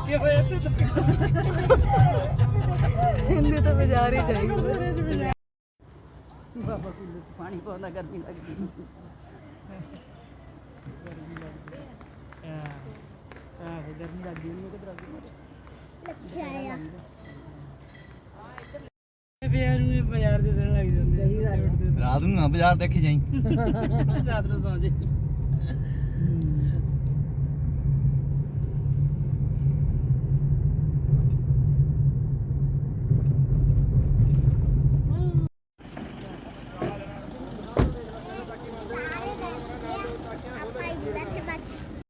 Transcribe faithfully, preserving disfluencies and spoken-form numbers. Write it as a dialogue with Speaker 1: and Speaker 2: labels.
Speaker 1: ਲੱਗੇ ਹੋਏ ਇੱਥੇ
Speaker 2: ਇਹਨੇ ਤਾਂ ਬਾਜ਼ਾਰ ਹੀ ਜਾਈਏ
Speaker 1: ਬਾਬਾ ਕੂਲਰ ਚ ਪਾਣੀ ਪਾਉਂਦਾ ਗਰਮੀ ਲੱਗਦੀ ਆਹ ਗਰਮੀ ਲੱਗਦੀ ਨਹੀਂ ਕਿਧਰ
Speaker 3: ਰੱਖਿਆ ਆ
Speaker 1: ਪਿਆਰ ਨੂੰ ਬਾਜ਼ਾਰ ਦੇ ਸਣ ਲੱਗ ਜਾਂਦੇ
Speaker 2: ਸਹੀ ਗੱਲ
Speaker 4: ਰਾਤ ਨੂੰ ਨਾ ਬਾਜ਼ਾਰ ਦੇਖੀ ਜਾਈ
Speaker 1: ਰਾਤ ਨੂੰ ਸੌਂ ਜੇ